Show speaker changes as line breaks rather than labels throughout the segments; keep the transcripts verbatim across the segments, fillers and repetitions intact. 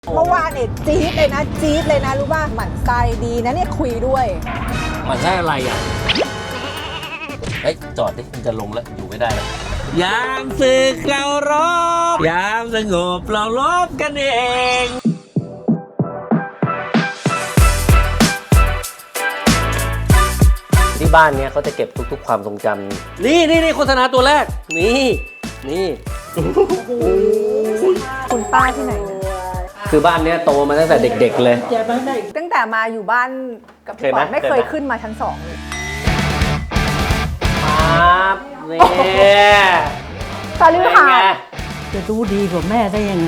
เมื่อวานเนี่ยจี๊ดเลยนะจี๊ดเลยนะรู้ป่ะหมั่นไส้ดีนะเนี่ยคุยด้วย
หมั่นไส้อะไรอ่ะเฮ้ยจอดดิมันจะลงแล้วอยู่ไม่ได้แล้วยามศึกเรารบยามสงบเราลบกันเองที่บ้านเนี้ยเขาจะเก็บทุกๆความทรงจำนี่นี่นี่โฆษณาตัวแรกนี่นี่
คุณป้าที่ไหนนะ
คือบ้านเนี้ยโตมาตั้งแต่เด็กๆเลย
ตั้งแต่มาอยู่บ้านกับพี่ป๋องไม่เคยขึ้นมาชั้นสองเลย
ครับเนี่ย
ตาลือหา
จะรู้ดีกว่าแม่ได้ยังไง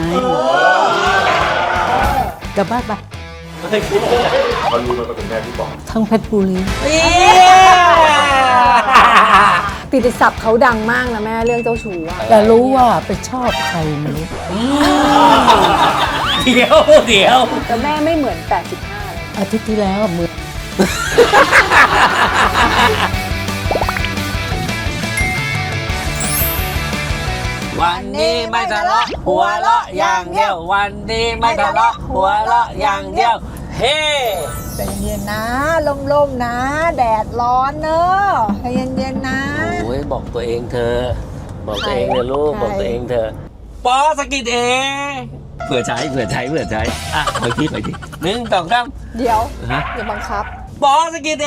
กลับบ้านไป
มันรู้มันเป็นแม่พี่ป๋อง
ทั้งเพชรบุรี
ติดศัพท์เขาดังมากนะแม่เรื่องเจ้าชู้อะ
แต่รู้ว่าไปชอบใครไม่รู้
เดี๋ยวเดี๋ยว
แต่แม่ไม่เหมือนแปดสิบห้าเลย
อาทิตย์ที่แล้วมือ
วันนี้ไม่ทะเลาะหัวเราะอย่างเดียววันนี้ไม่ทะเลาะหัวเราะอย่างเดียวเฮ้
ใจเย็นๆนะลมๆนะแดดร้อนเนอะใจเย็นๆนะ
โอ้ยบอกตัวเองเธอบอกตัวเองเถอะลูกบอกตัวเองเธอปอสกิดเอเผื่อใช้เผื่อใช้เผื่อใช้อ่ะไปที่ไปที่หนึ่งสองสาม
เดี๋ยวอย่าบังคับ
ปอสกิดเอ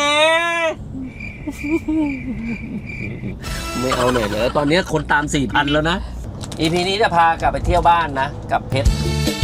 ไม่เอาหน่อยเลยตอนนี้คนตามสี่พันแล้วนะอีพีนี้จะพากลับไปเที่ยวบ้านนะกับเพชร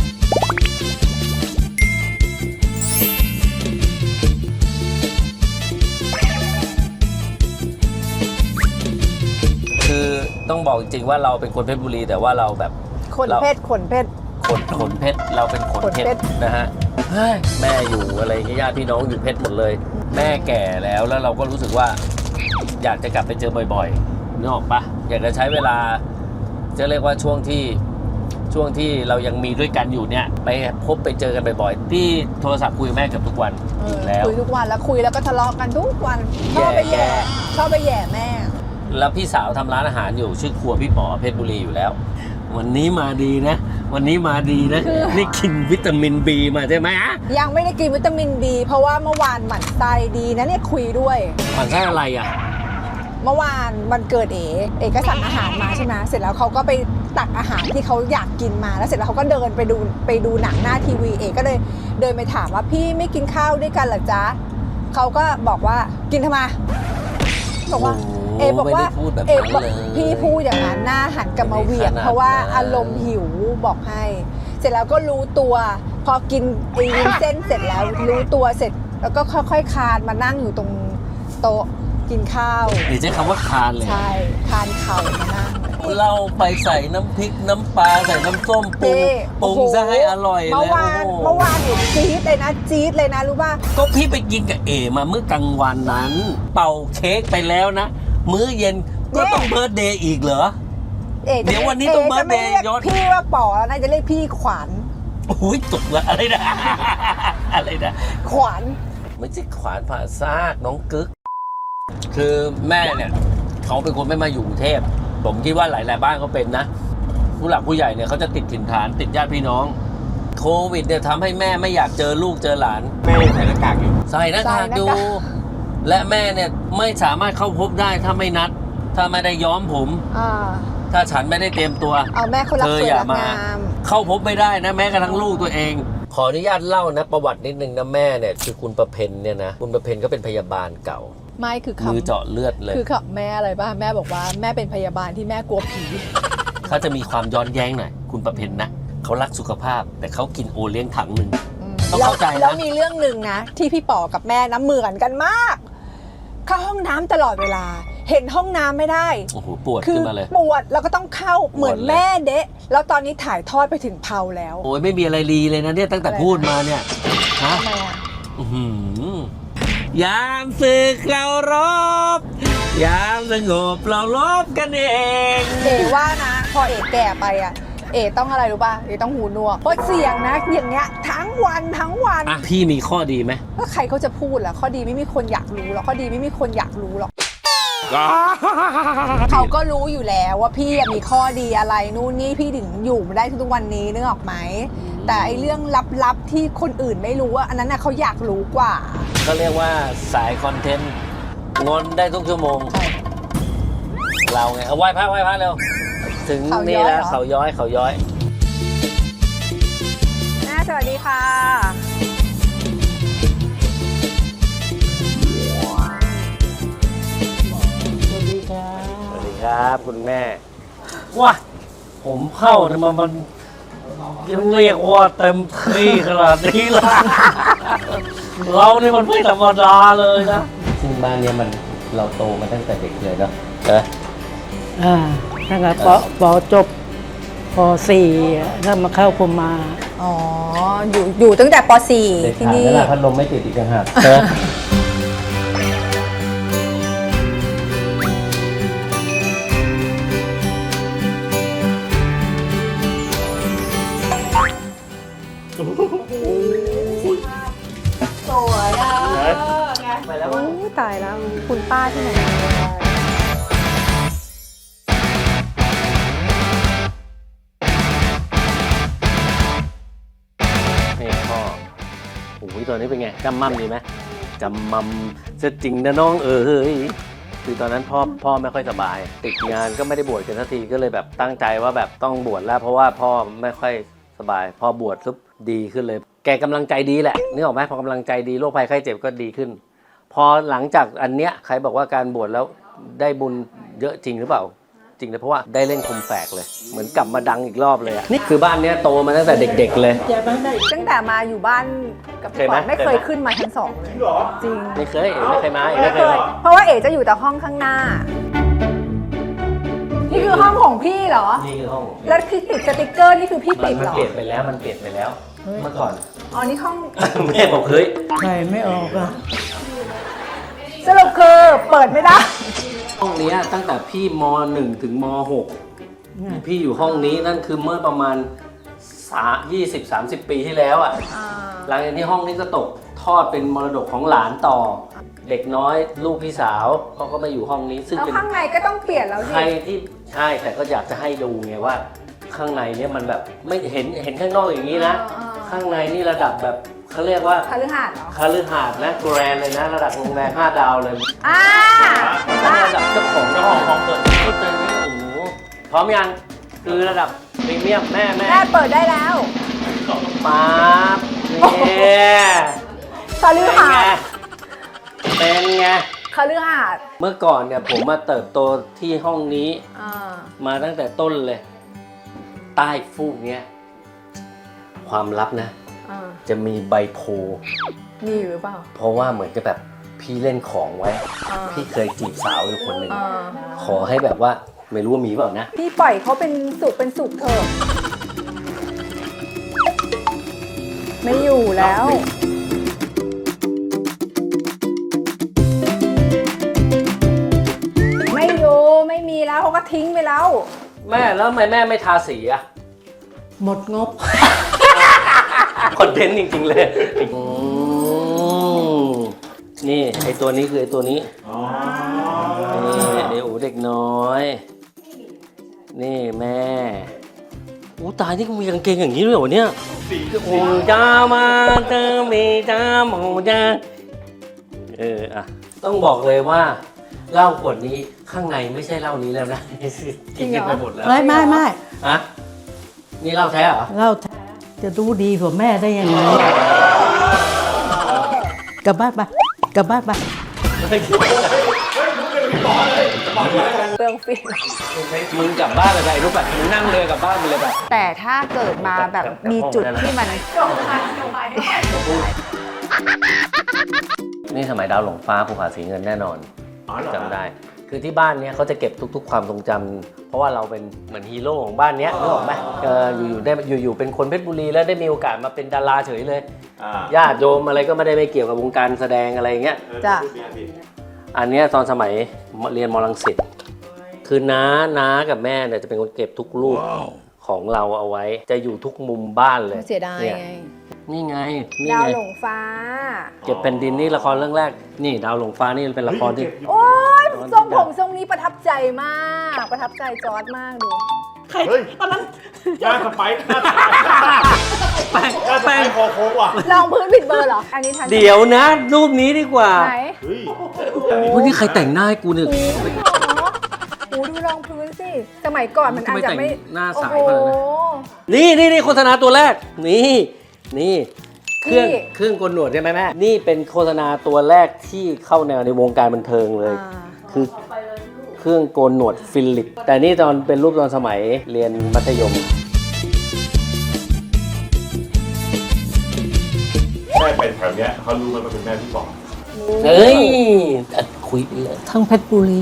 คือต้องบอกจริงๆว่าเราเป็นคนเพชรบุรีแต่ว่าเราแบบ
คนเพชรคนเพชร
คนขนเพชรเราเป็นขนเพชรนะฮะแม่อยู่อะไรญาติพี่น้องอยู่เพชรหมดเลยแม่แก่แล้วแล้วเราก็รู้สึกว่าอยากจะกลับไปเจอบ่อยๆนึกออกปะอยากจะใช้เวลาจะเรียกว่าช่วงที่ช่วงที่เรายังมีด้วยกันอยู่เนี่ยไปพบไปเจอกันบ่อยๆที่โทรศัพท์คุยกับแม่เกือบทุกวันแล้ว
คุยทุกวันแล้วคุยแล้วก็ทะเลาะกันทุกวันชอบไปแย่ชอบไปแย่แม่
แล้วพี่สาวทำร้านอาหารอยู่ชื่อครัวพี่ป๋อเพชรบุรีอยู่แล้ววันนี้มาดีนะวันนี้มาดีนะนี่กินวิตามินบีมาใช่ไหมฮะ
ยังไม่ได้กินวิตามินบีเพราะว่าเมื่อวานหมั่นไส้ดีนะเนี่ยคุยด้วย
หมั่นไส้อะไรอ่ะ
เมื่อวานวันเกิดเอ๋เอ๋ก็สั่งอาหารมาใช่ไหมเสร็จแล้วเขาก็ไปตักอาหารที่เขาอยากกินมาแล้วเสร็จแล้วเขาก็เดินไปดูไปดูหนังหน้าทีวีเอ๋ก็เลยเดินไปถามว่าพี่ไม่กินข้าวด้วยกันเหรอจ๊ะเขาก็บอกว่ากินทำไมบอกว่าเอ๋บอกว่าเอ๋บอกพี่พูดอย่างนั้นหน้าหันกลับมาเหวี่ยงเพราะว่าอารมณ์หิวบอกให้เสร็จแล้วก็รู้ตัวพอกินไอ้เส้นเสร็จแล้วรู้ตัวเสร็จแล้วก็ค่อยๆคานมานั่งอยู่ตรงโต๊ะกินข้าว
หรือใช้คำว่าคานเลย
ใช่คานเข่ามานั่ง
เราไปใส่น้ำพริกน้ำปลาใส่น้ำส้มปรุงปรุงซะให้อร่อยเลยเมื่อวาน
เมื่อวานเนี่ยจี๊ดเลยนะจี๊ดเลยนะรู้ป่ะ
ก็พี่ไปกินกับเอมาเมื่อกลางวันนั้นเป่าเค้กไปแล้วนะมื้อเย็นก็ต้องเบิร์ธเดย์อีกเหรอเดี๋ยววันนี้ต้องเบิร์ธเดย์ย้อน
พี่ว่าป๋อแล้วนะจะเรียกพี่ขวัญ
โอ้ยตกละอะไรนะอะไรนะ
ขวัญ
ไม่ใช่ขวานผ่าซากน้องกึ๊กคือแม่เนี่ยเขาเป็นคนไม่มาอยู่กรุงเทพผมคิดว่าหลายๆบ้านเขาเป็นนะผู้หลักผู้ใหญ่เนี่ยเขาจะติดถิ่นฐานติดญาติพี่น้องโควิดเนี่ยทำให้แม่ไม่อยากเจอลูกเจอหลาน
แม่ใส่หน้ากากอยู่
ใส่หน้ากากอยู่และแม่เนี่ยไม่สามารถเข้าพบได้ถ้าไม่นัดถ้าไม่ได้ย้อมผมถ้าฉันไม่ได้เตรียมตัว
เอาแม่คนรักสวยรักงาม
เข้าพบไม่ได้นะแม้กระทั่งลูกตัวเองขออนุญาตเล่านะประวัตินิดนึงนะแม่เนี่ยคือคุณประเพณเนี่ยนะคุณประเพณก็เป็นพยาบาลเก่า
ไม่คือ
มือเจาะเลือดเลย
คือแม่อะไรบ้างแม่บอกว่าแม่เป็นพยาบาลที่แม่กลัวผี
เขาจะมีความย้อนแย้งหน่อยคุณประเพณนะเขารักสุขภาพแต่เขากินโอเลี้ยงถังหนึ่งต้องเข้าใจนะ
แล้วมีเรื่องหนึ่งนะที่พี่ป๋อกับแม่น้ำเหมือนกันมากเข้าห้องน้ำตลอดเวลาเห็นห้องน้ำไม่ได้
โอ้โหปวดขึ้นมาเลย
ปวดแล้วก็ต้องเข้าเหมือนแม่เดะแล้วตอนนี้ถ่ายทอดไปถึงเพาแล้ว
โอ้ยไม่มีอะไรรีเลยนะเนี่ยตั้งแต่พูดมาเนี่ยฮะยามศึกเรารบยามสงบเราลบกันเอง
เอ๋ว่านะพอเอ๋แก่ไปอ่ะเอ๋ต้องอะไรรู้ป่ะเอ๋ต้องหูหนวกเพราะเสียงนะอย่างเงี้ยทั้งวันทั้งวัน
อ่ะพี่มีข้อดีไหม
ก็ใครเขาจะพูดล่ะข้อดีไม่มีคนอยากรู้หรอกข้อดีไม่มีคนอยากรู้หรอกเขาก็รู้อยู่แล้วว่าพี่มีข้อดีอะไรนู่นนี่พี่ถึงอยู่มาได้ทุกวันนี้นึกออกไหมแต่ไอเรื่องลับๆที่คนอื่นไม่รู้ว่าอันนั้นน่ะเขาอยากรู้กว่า
ก็เรียกว่าสายคอนเทนต์งอนได้ทุกชั่วโมง เราไงเอาไหว้พระไหว้พระเร็ว ถึง
เขาย้
นี่
อย
แล้ว
เหรอ
เขาย้อยเขาย้อย
แม่สวัสดีค่ะ
สวัสดีครับ
สวัสดีครับคุณแม่ว้าผมเข้าเนี่ยมันมันยังเรียกว่าเต็มที่ขนาดนี้ละ เราเนี่ยมันไม่ธรรมดาเลยนะซึ่งบ้านเนี้ยมันเราโตมาตั้งแต่เด็กเลยเนาะเออ
อ่าตั้งแต่ปปจบปสี่แล้วมาเข้าพรหมา
อ๋อ อยู่อยู่ตั้งแต่ป .สี่
เด็ก
ที่
ขาด
นี่
แล้วล่ะพัดลมไม่ติดอีกต่างหากเออ
สวยอ่ะ
ไปแล้ว
โอ้ยตายแล้ว คุณป้าที่ไหน
นี่พ่อโอ้ยตอนนี้เป็นไงจำมั่มดีไหมจำมั่มจะจริงนะน้องเอ๋ยคือตอนนั้นพ่อพ่อไม่ค่อยสบาย ติดงานก็ไม่ได้บวชกันสักทีก็เลยแบบตั้งใจว่าแบบต้องบวชแล้ว เพราะว่าพ่อไม่ค่อยสบายพอบวชปุ๊บดีขึ้นเลย แกกำลังใจดีแหละนึกออกไหมพอกำลังใจดีโรคภัยไข้เจ็บก็ดีขึ้น พอหลังจากอันเนี้ยใครบอกว่าการบวชแล้วได้บุญเยอะจริงหรือเปล่า จริงเลยเพราะว่าได้เล่นคมแฝกเลย เหมือนกลับมาดังอีกรอบเลยอะนี่คือบ้านเนี้ยโตมาตั้งแต่เด็กๆเลย
ตั้งแต่มาอยู่บ้านกับพี่ปอน
เคยไหม
ไม่เคยขึ้นมาชั้นสองเลย จริง
ไม่เคยไม่เคยมาเอ๋
ไม่
ไม่
เค
เคย
ย เพราะว่าเอ๋จะอยู่แต่ห้องข้างหน้า นี่คือห้องของพี่เหรอ
นี่คือห้อง
แล้วคือติดสติกเกอร์นี่คือพี่
มั
ติ
น
ด
มัน
เหรอ
เปลี่ยนไปแล้วมันเปลี่ยนไปแล้ว เมื่อก่อน
อ๋อ นี่ห้อง
แม่บอกเฮ้ย
ใช่ไม่ออกอ่ะ
สรุปคือเปิดไม่ได้
ห้องเนี้ยตั้งแต่พี่มหนึ่งถึงมหกพี่อยู่ห้องนี้นั่นคือเมื่อประมาณยี่สิบสามสิบปีที่แล้วอ่ะ หลังจากที่ห้องนี้ก็ตกทอดเป็นมรดกของหลานต่อ เด็กน้อยลูกพี่สาวเขาก็มาอยู่ห้องนี้ ซึ่ง
แล้ว
เป็น
ข้างในก็ต้องเปลี่ยนแล้ว
ใคร
สิ
ที่ใช่แต่ก็อยากจะให้ดูไงว่า ข้างในเนี่ยมันแบบไม่เห็นเห็นข้างนอกอย่างนี้นะ ข้างในนี่ระดับแบบเขาเรียกว่า
คฤหาสน์เหรอ
คฤหาสน์นะแกรนเลยนะ ระดับโรงแรมห้าดาวเลย
อ่า
ระดับเจ้าของเจ้าของห้องเกิดก็เจอนี่โอ้โหพร้อมยังคือระดับพรีเมียมแม่แม่
แม่เปิดได้แล้ว
ป๊าบนี่
คฤหาสน์
เป็นไง
คฤหาสน์
เมื่อก่อนเนี่ยผมมาเติบโตที่ห้องนี้
อ่า
มาตั้งแต่ต้นเลย ใต้ฟูกเนี้ยความลับนะ
อ่า
จะมีใบโพ
มีอยู่หรือเปล่า
เพราะว่าเหมือนจะแบบพี่เล่นของไว้
อ่า
พี่เคยจีบสาวอยู่คนหนึ่ง
อ่า
ขอให้แบบว่าไม่รู้ว่ามีเปล่านะ
พี่ปล่อยเขาเป็นสุขเป็นสุขเถอะ ไม่อยู่แล้ว ไม่อยู่ไม่มีแล้วเขาก็ทิ้งไปแล้ว
แม่แล้วทำไมแม่ไม่ทาสีอะ
หมดงบ
คอนเทนต์จริงๆเลยอืมนี่ไอตัวนี้คือไอตัวนี้นี่ไออูเด็กน้อย นี่แม่อู้ตายนี่มีกางเกงอย่างนี้ด้วยเหรอเนี่ยโอ้จ้ามาเจอมีจ้าโมจ้าเอออะต้องบอกเลยว่าเหล้าขวดนี้ข้างในไม่ใช่เหล้านี้แล้วนะ
จริงเหรอ
กินไปหมดแล้ว
ไม่ไม่ไม่
ฮะนี่เหล้าแท้เหรอ
เราจะรู้ดีกว่าแม่ได้ยังไงกลับบ้านไปกลับบ้านไป
เปลืองฟิล์ม
มึงกลับบ้านไปไปรู้ป่ะมึงนั่งเรือกลับบ้านไปเลยป่ะ
แต่ถ้าเกิดมาแบบมีจุดที่มัน
นี่สมัยดาวหลงฟ้าภูผาสีเงินแน่นอนจำได้ คือที่บ้านเนี้ยเขาจะเก็บทุก ๆ ความทรงจำเพราะว่าเราเป็นเหมือนฮีโร่ของบ้านเนี้ยนึกออกไหมเอออยู่ๆได้อยู่ๆเป็นคนเพชรบุรีแล้วได้มีโอกาสมาเป็นดาราเฉยเลย
อ่า
ญาติโยมอะไรก็ไม่ได้ไม่เกี่ยวกับวงการแสดงอะไรอย่างเงี้ย
จ้ะ
อันเนี้ยตอนสมัยเรียนมรังสิตคือน้าน้ากับแม่เนี่ยจะเป็นคนเก็บทุกรูปของเราเอาไว้ จะอยู่ทุกมุมบ้านเลย
เสียดาย
นี่
ไง
นี่ไงนี่
ดาว
ไง
หลงฟ้า
เก็บแผ่นดินนี่ละครเรื่องแรก นี่ดาวหลงฟ้านี่เป็นละครที่
โอ๊ยทรงผมทรงนี้ประทับใจมาก ประทับใจจอร์ดมากดู
เฮ้ยตอนนั้นหน้าสไปค์หน้าสไปค์
แป้ง
น่าจะ
แป้
ไป
ง
คอโค้งว่ะ
ลองพื้นผิดเบอร์เหรอ อันนี้ทัน
เดี๋ยวนะรูปนี้ดีกว่า
ไหน
เฮ้ย
โอ้ยนี่ใครแต่งหน้าให้กูเนี่ย
โอ้โหโอ้โหดูรองพื้นสิ สมัยก่อนมันอาจจะไม่
ทำไมแต่งหน้าใส
โอ้โห
ขนาดนั้น นี่นี่นี่โฆษณาตัวแรก นี่นี่เครื่อง
นี่
เครื่องโกนหนวดใช่ไหมแม่นี่เป็นโฆษณาตัวแรกที่เข้าแนวในวงการบันเทิงเลย
อ่า
คือเครื่องโกนหนวดฟิลิป แต่นี่ตอนเป็นรูปตอนสมัยเรียนมัธยม
แม่เป็นแถวเนี้ยเขารู้ไหมว่าเป็นแม่พี่บอก
เฮ้ยอ่ะคุยไปเลย
ทั้งเพชรบุรี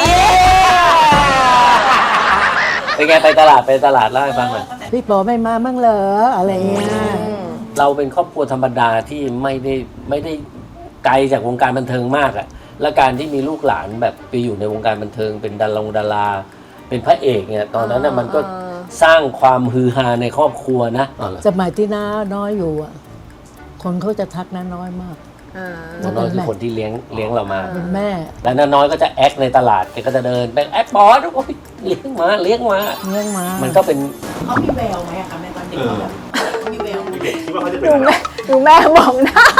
เป็นไงไปตลาดไปตลาดเล่าให้ฟังหน่อย
พี่ปอไม่มามั่งเหรออะไรเงี้ย
เราเป็นครอบครัวธรรมดาที่ไม่ได้ไม่ได้ไกลจากวงการบันเทิงมากอะและการที่มีลูกหลานแบบไปอยู่ในวงการบันเทิง เป็นดาราดาราเป็นพระเอกเนี่ยตอนนั้นน่ะมันก็สร้างความฮือฮาในครอบครัวนะอ๋อเหรอ
สมัยที่น้าน้อยอยู่อ่ะ คนเขาจะทักน้าน้อยมาก
อ่า
น้าน้อยคือคนที่เลี้ยงเลี้ยงเรามา
เป็นแม่
แล้วน้าน้อยก็จะแอคในตลาดแกก็จะเดินไปแอคบอสโอ้ยเลี้ยงมาเลี้ยงมา
เลี้ยงมา
มันก็เป็น
เขามีแววไหมอะคะแม่ตอนเด็กเขาแบบมีแววไหม
เด็กคิดว่าเขาจะเป็น
ดู
อะไร
แม่ดูแม่มองหน้า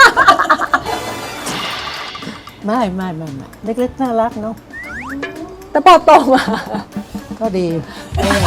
ไม่ไม่ไม่ไม่เล็กๆน่ารักเนาะ
แต่พอโตมา
ก็ดีเออ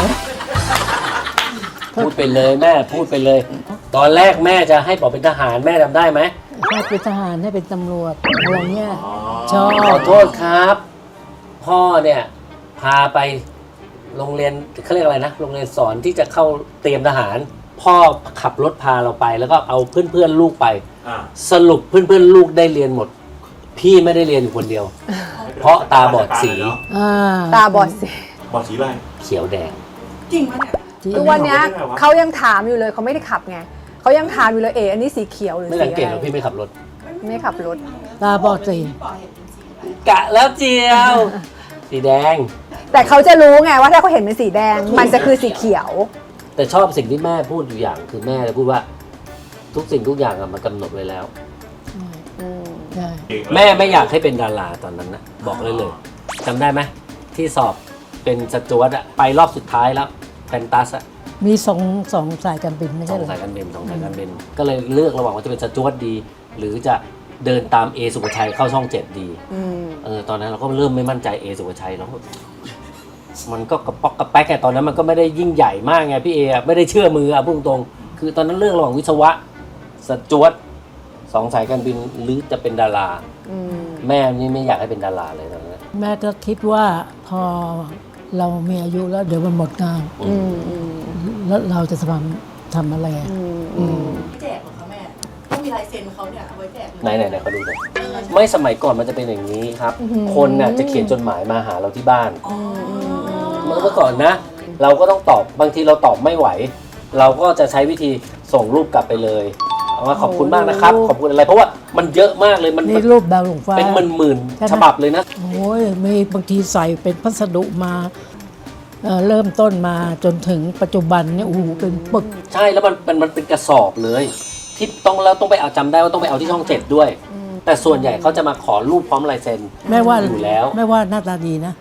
พูดไปเลยแม่พูดไปเลย ตอนแรกแม่จะให้บอกเป็นทหารแม่จำได้ไหม
ให้เป็นทหารให้เป็นตำรวจอะไรเงี้ยชอบ
ขอโทษครับ พ่อเนี่ยพาไปโรงเรียนเขาเรียกอะไรนะโรงเรียนสอนที่จะเข้าเตรียมทหาร พ่อขับรถพาเราไป แล้วก็เอาเพื่อนๆลูกไป
อ่า
สรุปเพื่อนๆลูกได้เรียนหมด พี่ไม่ได้เรียนอยู่คนเดียว เพราะตาบอดสี
อ่า
ตาบอดสิ
บอดสีอะไร
เขียวแดง
จริงปะเนี่ย
จริง
ทุกวันเนี้ย
ไม่ได้วะ
เขายังถามอยู่เลยเขาไม่ได้ขับไงเขายังถามอยู่เลยเออันนี้สีเขียวหรือ
ไม่
สี
สังเกต
อะ
หร
ไร
อกพี่ไม่ขับรถ
ไม่ขับรถ
ตาบอดสี
กะแล้วเจียว สีแดง
แต่เขาจะรู้ไงว่าถ้าเขาเห็นเป็นสีแดง มันจะคือสีเขียว
แต่ชอบสิ่งที่แม่พูดอยู่อย่างคือแม่จะพูดว่า ทุกสิ่งทุกอย่างอะมันกำหนดไว้แล้ว
อืม
ใช่
แม่ไม่อยากให้เป็นดาราตอนนั้นนะบอกเลยเลยจำได้ไหมที่สอบเป็นสจวตอะไปรอบสุดท้ายแล้วแฟนตาสอะ
มีสองสองสายการบินไม่
ส
ใช่
อง
เหรอ
สายการบินสองสายการบินก็เลยเลือกระหว่างว่าจะเป็นสจวตดี หรือจะเดินตามเอสุภชัยเข้าช่องเจ็ดดี
อืม
เออตอนนั้นเราก็เริ่มไม่มั่นใจเอสุภชัยแล้วมันก็กระป๊อกกระแป๊กไงตอนนั้นมันก็ไม่ได้ยิ่งใหญ่มากไงพี่เออะไม่ได้เชื่อมืออะพูดตรงๆคือตอนนั้นเลือกระหว่างวิศวะสจวตสองสายการบินหรือจะเป็นดารา
อืม
แม่นี่ไม่อยากให้เป็นดาราเลยตอนนั้น
แม่ก็คิดว่าพอเรามีอายุแล้วเดี๋ยวมันหมดงาน
อืมอืม
แล้วเราจะทำทำอะไรอ่ะ
อืม
อืม
แจกเหรอคะแม่ต้องมีลายเซ็นเขาเนี่ยเอาไว้แจกเลย
ไหนไหนไหนเขาดูหน่อยไม่สมัยก่อนมันจะเป็นอย่างนี้ครับ คนน่ะจะเขียนจดหมายมาหาเราที่บ้านเมื่อก่อนนะ เราก็ต้องตอบบางทีเราตอบไม่ไหว เราก็จะใช้วิธีส่งรูปกลับไปเลยเอาว่าขอบคุณมากนะครับ ขอบคุณอะไร เพราะว่ามันเยอะมากเลยมัน
นี่รูปดาวหลวงฟ้า
เป็นหมื่นหมื่น
ใช่ไหม
ฉบับเลยนะ
โอ้ยมีบางทีใส่เป็นพัสดุมาเอ่อเริ่มต้นมาจนถึงปัจจุบันเนี่ยโอ้โหเป็นปึก
ใช่แล้วมันมันมันเป็นกระสอบเลย ที่ต้องแล้วต้องไปเอาจำได้ว่าต้องไปเอาที่ช่องเจ็ดด้วย แต่ส่วนใหญ่เขาจะมาขอรูปพร้อมลายเซ็น
แม่ว่า
อยู่แล้ว
แม่ว่าหน้าตาดีนะ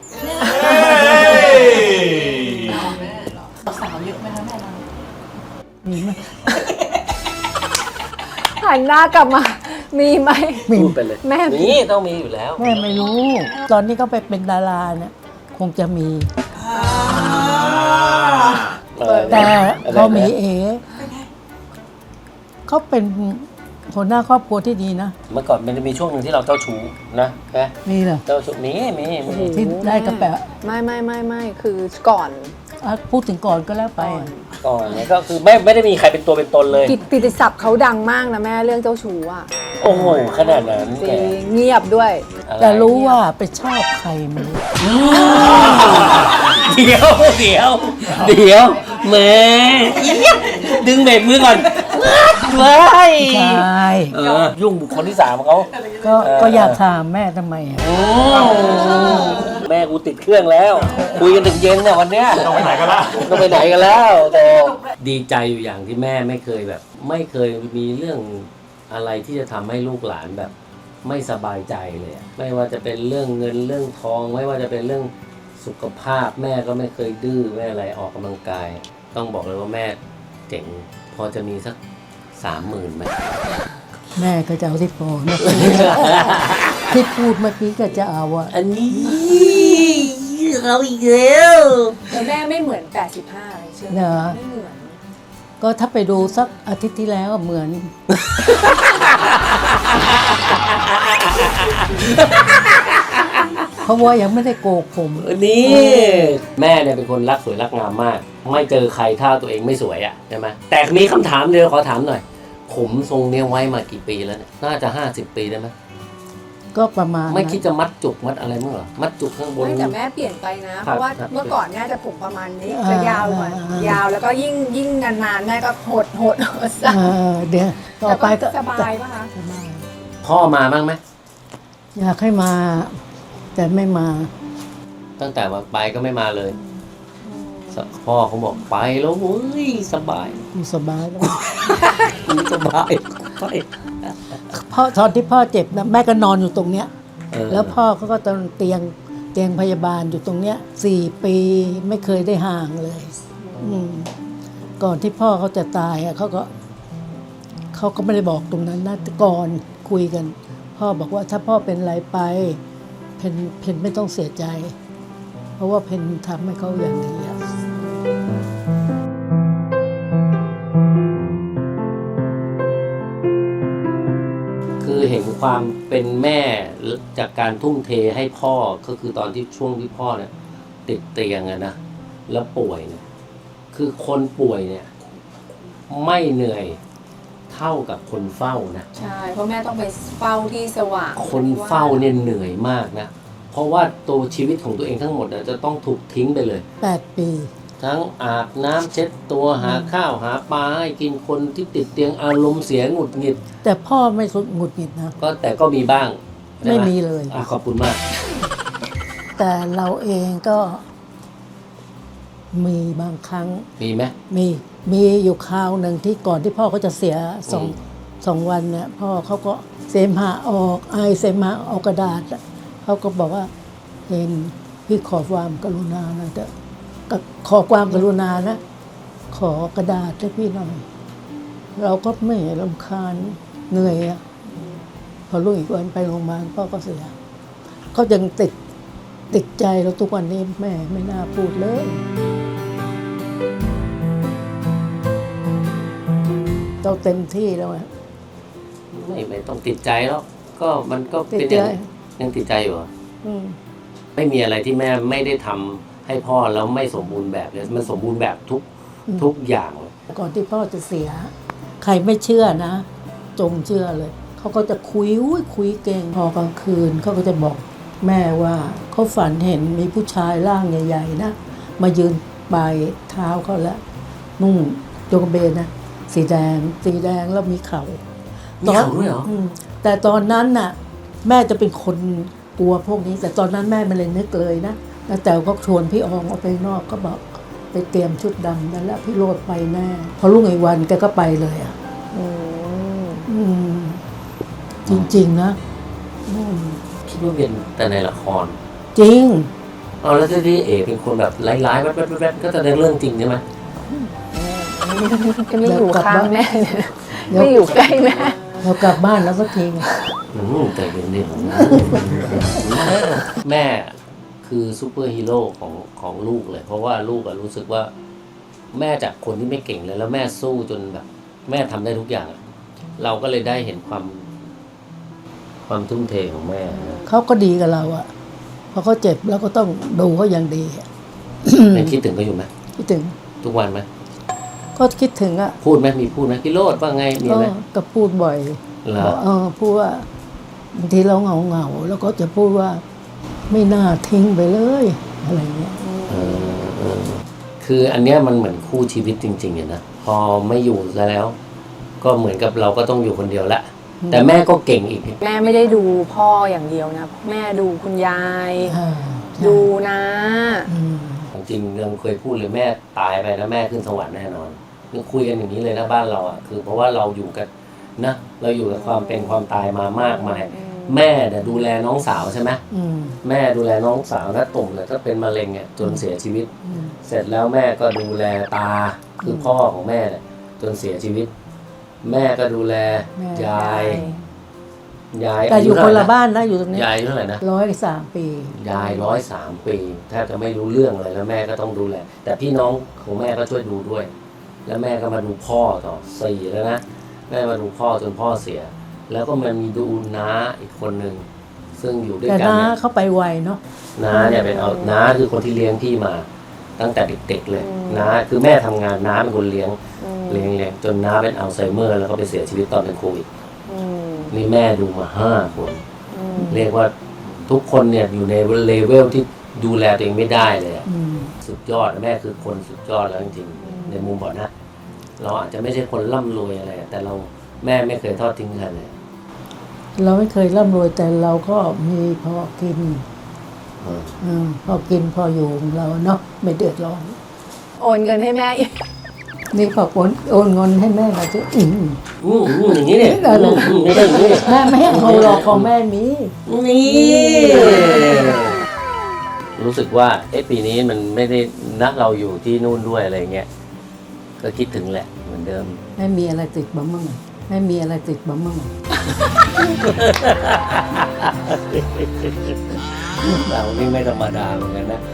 สาวๆเยอะไหมคะแม่ตอนนี้
มีไหม
หันหน้ากลับมา มีไหม
มี
พูดไปเลย
แม่
นี่ต้องมีอยู่แล้ว
แม่ไม่รู้ ตอนนี้เขาไปเป็นดาราเนี่ยคงจะมี แต่พอมีเอเขาเป็นหัวหน้าครอบครัวที่ดีนะ
เมื่อก่อนมันจะมีช่วงหนึ่งที่เราเจ้าชู้นะนะ
มีเหรอ
เจ้าชู้มีมีมี
ที่ได้กระแปะ
ไม่ไม่ไม่ไม่คือก่อน
อ่ะพูดถึงก่อนก็แล้วไป
ก่อนเนี่ยก็คือไม่ไม่ได้มีใครเป็นตัวเป็นตนเลย
กิตกิตติศัพท์เขาดังมากนะแม่เรื่องเจ้าชู้อ่ะ
โอ้โหขนาดนั้น
จ
แก
ริงเงียบด้วย
อะไร
แต่รู้ว่าไปชอบใครไมัน
เดี๋ยวเดี๋ยวเดี๋ยวแหม่ดึงเบรกมือก่อนเว้ย
ใช่
เออยุ่งบุคคลที่สามของเขา
ก็
เออ
ก็อยากถามแม่ทำไมอ่ะ
โอ้แม่กูติดเครื่องแล้ว คุยกันถึงเย็นเนี่ยวันเนี้ย
ต้องไปไหนกันละ
ก็ไปไหนกันแล้วโตดีใจอยู่อย่างที่แม่ไม่เคยแบบ ไม่เคยมีเรื่องอะไรที่จะทำให้ลูกหลานแบบ ไม่สบายใจเลยอะไม่ว่าจะเป็นเรื่องเงินเรื่องทอง ไม่ว่าจะเป็นเรื่องสุขภาพ แม่ก็ไม่เคยดื้อแม่อะไรออกกำลังกาย ต้องบอกเลยว่าแม่เจ๋งพอจะมีสักสามหมื่นไหม
แม่ก็จะเอาที่พอเมื่อกี้ ที่พูดเมื่อกี้ก็จะเอาอะ
อันนี้เราอีกแล้ว
แต่แม่ไม่เหมือนแปดสิบห้าเลยใช่ไหม
เนอะ
ไม่เหมือน
ก็ถ้าไปดูสักอาทิตย์ที่แล้วเหมือน เพราะว่ายังไม่ได้โกกผม
นี่แม่เนี่ยเป็นคนรักสวยรักงามมาก ไม่เจอใครถ้าตัวเองไม่สวยอ่ะใช่ไหมแต่มีคำถามเดียวขอถามหน่อย ผมทรงเนี้ยไว้มากี่ปีแล้วเนี่ยน่าจะห้าสิบปีได้ไหม
ก็ประมาณ
ไม่
นั้น
คิดจะมัดจุกมัดอะไรมั้งเหรอมัดจุกข้างบน
ไม่แต่แม่เปลี่ยนไปนะ
ค
เพ
รับ
ราะว่า
ครับ
เมื่อก่อนแม่จะผมประมาณนี้
อ่า
จะยาวกว่า
อ่าย
ยาวแล้วก็ยิ่งยิ่งนานๆแม่ก็หดหดหดสั้น
เออเดี๋ยวต่อไปก็
สบายป่ะคะ
สบาย
พ่อมาบ้างไหม
อยากให้มา แต่ไม่มา
ตั้งแต่มาไปก็ไม่มาเลยสพ่อเขาบอกไปแล้วเว้ยสบาย
อยู่สบายแล้ว
กูสบายไป
พ่อตอนที่พ่อเจ็บนะแม่ก็นอนอยู่ตรงเนี้ย
เออ
แล้วพ่อเขาก็ตอนเตียงเตียงพยาบาลอยู่ตรงเนี้ยสี่ปีไม่เคยได้ห่างเลย อืมก่อนที่พ่อเขาจะตายอะเขาก็เขาก็ไม่ได้บอกตรงนั้นนะแต่ก่อนคุยกัน พ่อบอกว่าถ้าพ่อเป็นอะไรไป เพนเพนไม่ต้องเสียใจ เพราะว่าเพนทำให้เขาอย่างนี้อะ
คือเห็นความเป็นแม่จากการทุ่มเทให้พ่อก็คือตอนที่ช่วงที่พ่อเนี่ยติดเตียงอะนะแล้วป่วยเนี่ยคือคนป่วยเนี่ยไม่เหนื่อยเท่ากับคนเฝ้านะ
ใช่เพราะแม่ต้องไปเฝ้าที่สว่าง
คนเฝ้าเนี่ยเหนื่อยมากนะเพราะว่าตัวชีวิตของตัวเองทั้งหมดน่ะจะต้องถูกทิ้งไปเลย
แปดปี
ทั้งอาบน้ำเช็ดตัวหาข้าวหาปลาให้กินคนที่ติดเตียงอารมณ์เสียหงุดหงิด
แต่พ่อไม่สุดหงุดหงิดนะ
ก็แต่ก็มีบ้างใช่ห
ไม่มีเลย
อ่ะขอบคุณมาก
แต่เราเองก็มีบางครั้ง
มีไหม
มีมีอยู่คราวหนึ่งที่ก่อนที่พ่อเขาจะเสียสอง
อืม
สองวันเนี่ยพ่อเขาก็เสมหะออกไอเสมหะออกกระดาษอะเขาก็บอกว่าเห็นพี่ขอความกรุณาหนะเถอะก็ขอความกรุณานะ ขอกระดาษให้พี่หน่อย เราก็ไม่รำคาญเหนื่อยอะพอรุ่งอีกวันไปโรงพยาบาลพ่อก็เสียเขายังติดติดใจเราทุกวันนี้แม่ไม่น่าพูดเลย เราเต็มที่แล้วอะ
ไม่ไม่ต้องติดใจแล้วก็มันก็
ติด
เป็น
ใจ
อย่างยังติดใจอยู่เหรอ
อืม
ไม่มีอะไรที่แม่ไม่ได้ทำให้พ่อแล้วไม่สมบูรณ์แบบเลยมันสมบูรณ์แบบทุก
อืม
ทุกอย่างเลย
ก่อนที่พ่อจะเสีย ใครไม่เชื่อนะ จงเชื่อเลย เขาก็จะคุยอุ้ยคุยเก่ง พอกลางคืนเขาก็จะบอกแม่ว่าเขาฝันเห็นมีผู้ชายร่างใหญ่ๆนะ มายืนปลายเท้าเขาแล้ว นุ่งโจงกระเบนนะ สีแดง สีแดงแล้วมีเขา
มีเขาด้วยเหรอ
มแต่ตอนนั้นน่ะ แม่จะเป็นคนกลัวพวกนี้ แต่ตอนนั้นแม่ไม่เลยนึกเลยนะแล้วแต่ก็ชวนพี่อองออกไปนอกก็บอกไปเตรียมชุดดำนั่นแหละพี่โรดไปแน่พอรุ่งอีกวันแกก็ไปเลยอ่ะ
อืม
อืม จริงๆนะอืม
คิดว่าเป็นแต่ในละคร
จริง
เอาแล้วที่เอกเป็นคนแบบร้ายๆแวบๆๆก็จะในเรื่องจริงใช่ไหม
ก็ไม่อยู่ข้างแม่เนี่ย
เดี๋ยว
ไม่อยู่ใกล้แม่
เรากลับบ้านแล้วสักที
อืมแต่เย็นๆนะแม่คือซูเปอร์ฮีโร่ของของลูกเลย เพราะว่าลูกอะรู้สึกว่า แม่จากคนที่ไม่เก่งเลย แล้วแม่สู้จนแบบ แม่ทำได้ทุกอย่างอะเราก็เลยได้เห็นความ ความทุ่มเทของแม่นะ
เขาก็ดีกับเราอะพอเขาเจ็บเราก็ต้องดูเขาอย่างดีอะ
ยังคิดถึงก็อยู่ไหม
คิดถึง
ทุกวันไหม
ก็คิดถึงอะ
พูดไหมมีพูดไหมพี่โรดว่าไงมี
ก็
ไหม
ก็พูดบ่อย
เหรอ
เออพูดว่าบางทีเราเหงาเหงาๆแล้วก็จะพูดว่า ไม่น่าทิ้งไปเลยอะไรเงี้ย
เออเออคืออันเนี้ยมันเหมือนคู่ชีวิตจริงๆอะนะพอไม่อยู่แล้ว ก็เหมือนกับเราก็ต้องอยู่คนเดียวละแต่แม่ก็เก่งอีก
แม่ไม่ได้ดูพ่ออย่างเดียวนะ แม่ดูคุณยาย
อ่าใช่
ดูนะ
อืม
จริงๆเราเคยพูดเลยแม่ตายไปแล้วแม่ขึ้นสวรรค์แน่นอนคือคุยกันอย่างนี้เลยนะบ้านเราอ่ะคือเพราะว่าเราอยู่กันนะเราอยู่กับความเป็นความตายมามากมาย แม่เนี่ยดูแลน้องสาวใช่ไหม
อืม
แม่ดูแลน้องสาวถ้าตุ่มเนี่ยก็เป็นมะเร็งเนี่ยจนเสียชีวิต
อืม
เสร็จแล้วแม่ก็ดูแลตาคือพ่อของแม่เนี่ยจนเสียชีวิตแม่ก็ดูแล
แม่
ยายยาย
แต่อยู่
เท่
ค
ไห
น
ร่
ละบ้านนะอยู่ตรงนี้
ยายอายุเท่าไหร่นะ
ร้อยสามปี
ยายร้อยสามปีแทบจะไม่รู้เรื่องอะไรแล้วแม่ก็ต้องดูแลแต่พี่น้องของแม่ก็ช่วยดูด้วย แล้วแม่ก็มาดูพ่อต่อสี่แล้วนะแม่มาดูพ่อจนพ่อเสีย แล้วก็มันมีดูน้าอีกคนหนึ่งซึ่งอยู่ด้วย
แต่
กัน
น้า
เนี่ย
เขาไปไวเนาะ
น้าเนี่ยเป็นเอาน้าคือคนที่เลี้ยงพี่มา ตั้งแต่เด็กๆเลยน้าคือแม่ทำงานน้าเป็นคนเลี้ยงเลี้ยงเลี้ยงจนน้าเป็นอัลไซเมอร์แล้วก็ไปเสียชีวิตตอนเป็นโควิดนี่แม่ดูมาห้าคน เรียกว่าทุกคนเนี่ยอยู่ในเลเวลที่ดูแลตัวเองไม่ได้เลยอะ
อืม
สุดยอดแม่คือคนสุดยอดแล้วจริงๆในมุมบอกนะ เราอาจจะไม่ใช่คนร่ำรวยอะไรแต่เราแม่ไม่เคยทอดทิ้งใครเลย
เราไม่เคยร่ำรวยแต่เราก็มีพอกิน
เออ
อืมพอกินพออยู่ของเราเนาะไม่เดือดร้อน
โอนเงินให้แม่อีก
นี่พอโอนโอนเงินให้แม่มาจะอืม
อืมอืมอย่างนี้เนี่ย
ได้เลย
อืมไม่ได้อย่างนี้
แม่ไม่ให้เอาหรอกของแม่มี
นี่รู้สึกว่าเอ๊ะปีนี้มันไม่ได้นักเราอยู่ที่นู่นด้วยอะไรเงี้ยก็คิดถึงแหละเหมือนเดิม
ไม่มีอะไรติดบ้ามั่งไม่มีอะไรติดบ้ามั่ง
เรานี่ไม่ธรรมดาเหมือนกันนะ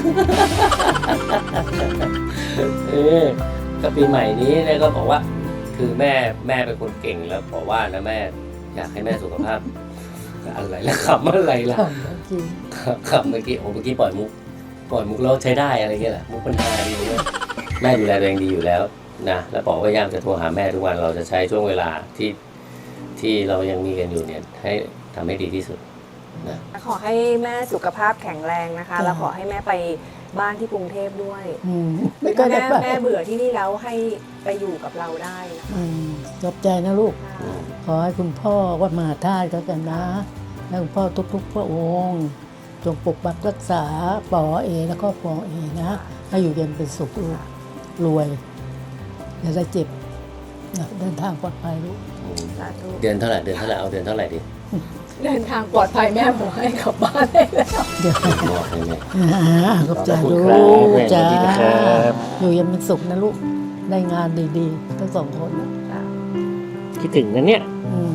เออก็ปีใหม่นี้เนี่ยก็บอกว่า คือแม่แม่เป็นคนเก่งแล้วบอกว่านะแม่อยากให้แม่สุขภาพอะไรแล้วขำอะไรล่ะ
จริง
ขำเมื่อกี้โอ้เมื่อกี้ปล่อยมุกปล่อยมุกแล้วใช้ได้อะไรเงี้ยแหละมุกปัญหาดีเนี่ยแม่ดูแลตัวเองดีอยู่แล้วนะแล้วบอกว่าพยายามจะโทรหาแม่ทุกวันเราจะใช้ช่วงเวลาที่ที่เรายังมีกันอยู่เนี่ยให้ทำให้ดีที่สุดนะ
ขอให้แม่สุขภาพแข็งแรงนะคะ แล้วขอให้แม่ไปบ้านที่กรุงเทพด้วย
อืมไม่
ถ้า
ก็ได้
แม่
ไป
แม่เบื่อที่นี่แล้วให้ไปอยู่กับเราได้นะ
อืมขอบใจนะลูก
คะ
ขอให้คุณพ่อวัดมหาธาตุก็กันนะและคุณพ่อทุกๆพระองค์จงปกปักรักษาปอเอแล้วก็ปอเอนะให้อยู่เย็นเป็นสุขลูกรวยอย่าได้เจ็บนะเดินทางปลอดภัยลูก
สาธุ
เดือนเท่าไหร่เดือนเท่าไหร่เอาเดือนเท่าไหร่ดี
เดินทางปลอดภัยแม่บอกให้กลับบ้านได้แล้ว
เดี๋ยว
บอกให้แม่
อ่าขอบใจ
ขอบคุ
ลู
ณครับ
ก
แม่
จ้า
สวัสดีนะครับ
อยู่เย็นเป็นสุขนะลูกได้งานดีๆทั้งสองคนนะ
คิดถึงนะเนี่ย
อืม